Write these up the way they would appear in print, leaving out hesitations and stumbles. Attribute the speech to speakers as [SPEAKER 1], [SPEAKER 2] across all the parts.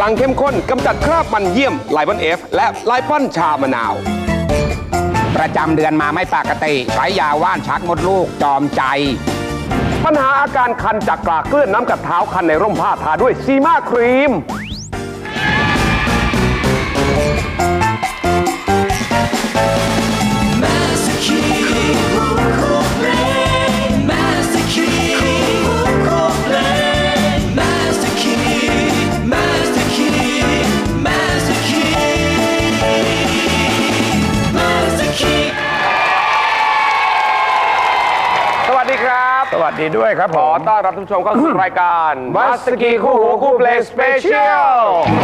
[SPEAKER 1] งเข้มข้นกำจัดคราบมันเยี่ยมไลปอนเอฟและไลปอนชามะนาว
[SPEAKER 2] ประจำเดือนมาไม่ปกติใช้ยาว่านชักมดลูกจอมใจ
[SPEAKER 1] ปัญหาอาการคันจากกลากเกลื่อนน้ำกัดเท้าคันในร่มผ้าทาด้วยซีมาครีม
[SPEAKER 2] สวัสดีด้วยครับ
[SPEAKER 1] ขอต้อนรับทุกผู้ชมเข้าสู่รายการมัสกีคู่หูคู่เพลงสเปเชียล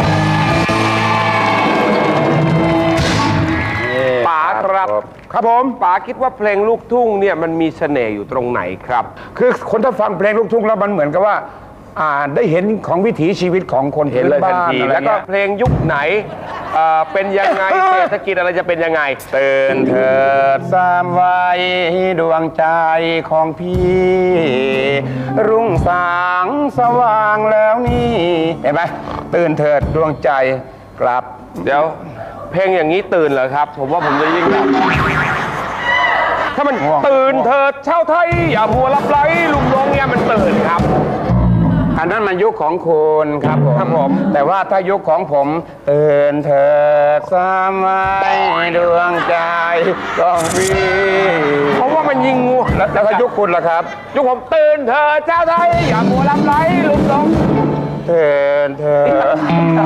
[SPEAKER 1] ป๋าครับ
[SPEAKER 2] ครับผม
[SPEAKER 1] ป๋าคิดว่าเพลงลูกทุ่งเนี่ยมันมีเสน่ห์อยู่ตรงไหนครับ
[SPEAKER 2] คือคนถ้าฟังเพลงลูกทุ่งแล้วมันเหมือนกับว่าได้เห็นของวิถีชีวิตของคนพื้นบ้าน
[SPEAKER 1] แล้วก็เพลงยุคไหนเป็นยังไงเศรษฐกิจอะไรจะเป็นยังไง
[SPEAKER 2] ตื่นเถิดสามวัยดวงใจของพี่รุ่งสางสว่างแล้วนี่เห็นไหมตื่นเถิดดวงใจกลับ
[SPEAKER 1] เดี๋ยวเพลงอย่างนี้ตื่นเหรอครับผมว่าผมจะยิ่งหลับถ้ามันตื่นเถิดชาวไทยอย่ามัวหลับไหลลุงลงเนี่ยมันตื่นครับ
[SPEAKER 2] อันนั้นมันยุคของคุณครับผมแต่ว่าถ้ายุคของผมตื่นเถิดสามวัยดวงใจของพี่
[SPEAKER 1] เพราะว่ามันยิงงู
[SPEAKER 2] แล้วก็ยุคคุณล่ะครับ
[SPEAKER 1] ยุคผมตื่นเถิดชาวไทยอย่ามัวหลับไหลลุงลง
[SPEAKER 2] ตื่นเถิด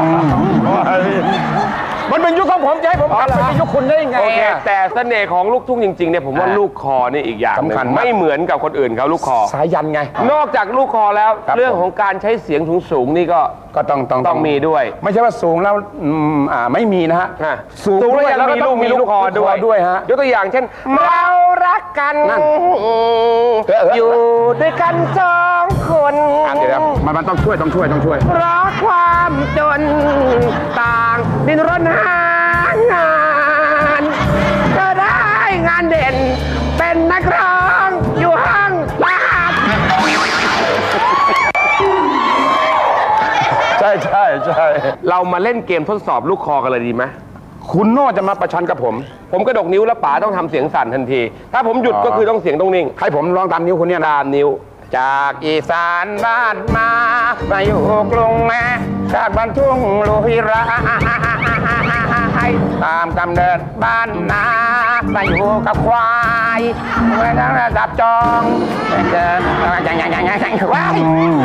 [SPEAKER 2] มันเป็นยุคของผมจะให้ผมกลับไปในยุคคุณได้ยังไง
[SPEAKER 1] โอเคแต่เสน่ห์ของลูกทุ่งจริงๆเนี่ยผมว่าลูกคอนี่อีกอย่างนึงไม่เหมือนกับคนอื่นเขาลูกคอ
[SPEAKER 2] สายันไง
[SPEAKER 1] นอกจากลูกคอแล้วเรื่องของการใช้เสียงสูงๆนี่ก็ต้องมีด้วย
[SPEAKER 2] ไม่ใช่ว่าสูงแล้วไม่มีนะฮะ
[SPEAKER 1] สูงแล้วยังมีลูกคอด้วย
[SPEAKER 2] ฮะ
[SPEAKER 1] ยกตัวอย่างเช่นเรารักกันอยู่ด้วยกันสองคน
[SPEAKER 2] เดี๋ยวมันต้องช่วย
[SPEAKER 1] เพราะความจนต่างดิ้นรนหางานก็ได้งานเด่นเป็นนักร้องอยู่ห้างบ้าน
[SPEAKER 2] ใช่
[SPEAKER 1] เรามาเล่นเกมทดสอบลูกคอกันเลยดีไหม
[SPEAKER 2] คุณโน่จะมาประชันกับผม
[SPEAKER 1] กระดกนิ้วแล้วป๋าต้องทำเสียงสั่นทันทีถ้าผมหยุดก็คือต้องเสียงต้องนิ่ง
[SPEAKER 2] ให้ผมลองตามนิ้วคุณเนี่ย
[SPEAKER 1] ตามนิ้ว
[SPEAKER 2] จากอีสานบ้านมาอยู่กรุงแม่จากบ้านทุ่งลุยระตามกำเนิดบ้านนามาอยู่กับควายเมื่อนั้นดับจองเดินว้าย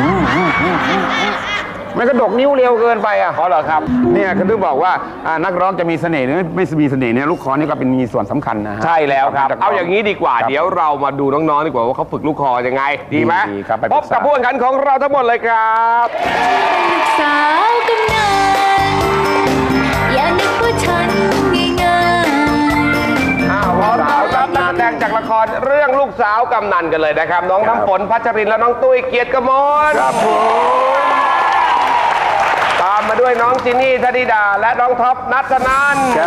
[SPEAKER 2] มันกระดกนิ้วเร็วเกินไป
[SPEAKER 1] เพราะเหรอครับ
[SPEAKER 2] เนี่ยคือต้องบอกว่านักร้องจะมีเสน่ห์หรือไม่มีเสน่ห์เนี่ยลูกคอนี่ก็เป็นมีส่วนสำคัญนะฮะ
[SPEAKER 1] ใช่แล้วครับเอาอย่างนี้ดีกว่าเดี๋ยวเรามาดูน้องๆดีกว่าว่าเขาฝึกลูกคอยังไงดีไหมพบกับผู้แข่งขันของเราทั้งหมดเลยครับ
[SPEAKER 3] สาวกำนันอย่านึกว่าฉันง่าย
[SPEAKER 1] พร้อมต้อนรับนักแสดงจากละครเรื่องลูกสาวกำนันกันเลยนะครับน้องน้ำฝนพัชรินและน้องตุ้ยเกียรติกมล
[SPEAKER 2] ครับผม
[SPEAKER 1] ตามมาด้วยน้องจินี่ธนิดาและน้องท็อปนัทนันท์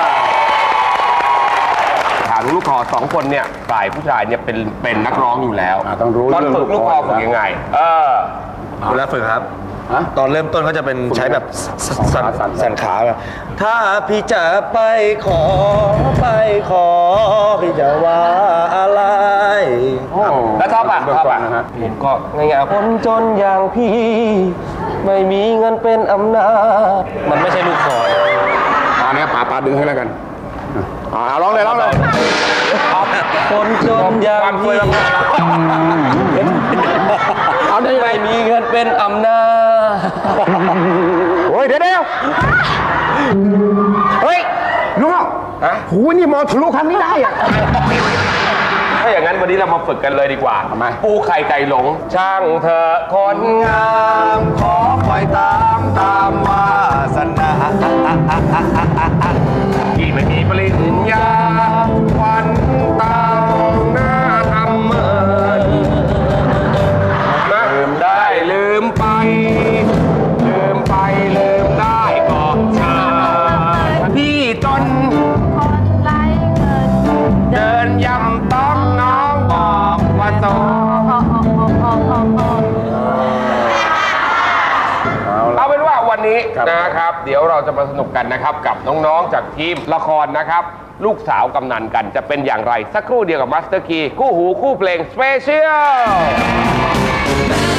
[SPEAKER 1] ถามลูกคอ2 คนเนี่ยฝ่ายผู้ชายเนี่ยเป็นนักร้องอยู่แล้ว
[SPEAKER 2] ต้องรู้
[SPEAKER 1] ตอนฝึกลูกคอฝึกยังไง
[SPEAKER 4] เวลาฝึกครับตอนเริ่มต้นก็จะเป็นใช้แบบสั่นขาแบบถ้าพี่จะไปขอพี่จะว่าอะไร
[SPEAKER 1] แล้วท็อปนะฮะผมก็ง่ายๆคนจนอย่างพี่ไม่มีเงินเป็นอำนาจมันไม่ใช่ลูกคอ
[SPEAKER 2] เนี่ยป๋าดึงให้แล้วกันร้องเลย
[SPEAKER 1] คนจนอย่างพี่ไม่มีเงินเป็นอำนาจ
[SPEAKER 2] โอ้ยเดี๋ยวเฮ้ยน้องหูนี่มองทะลุคำนี้ได้อะ
[SPEAKER 1] ถ้าอย่างนั้นวันนี้เรามาฝึกกันเลยดีกว่าปูไข่ไก่หลงช่างเธอคนงาม
[SPEAKER 4] ขอคอยตามวาสนา
[SPEAKER 1] ที่ไม่มีปริญญาวันตาหน้าทำเมินลืมได้ลืมไปลืมได้ก็เชิญพี่จนเดินย่ำต้องน้องบอกว่าโตเอาเป็นว่าวันนี้
[SPEAKER 2] ครับ
[SPEAKER 1] นะครับ เดี๋ยวเราจะมาสนุกกันนะครับกับน้องๆจากทีมละครนะครับ ลูกสาวกำนันกันจะเป็นอย่างไรสักครู่เดียวกับมาสเตอร์คีคู่หูคู่เพลงสเปเชียล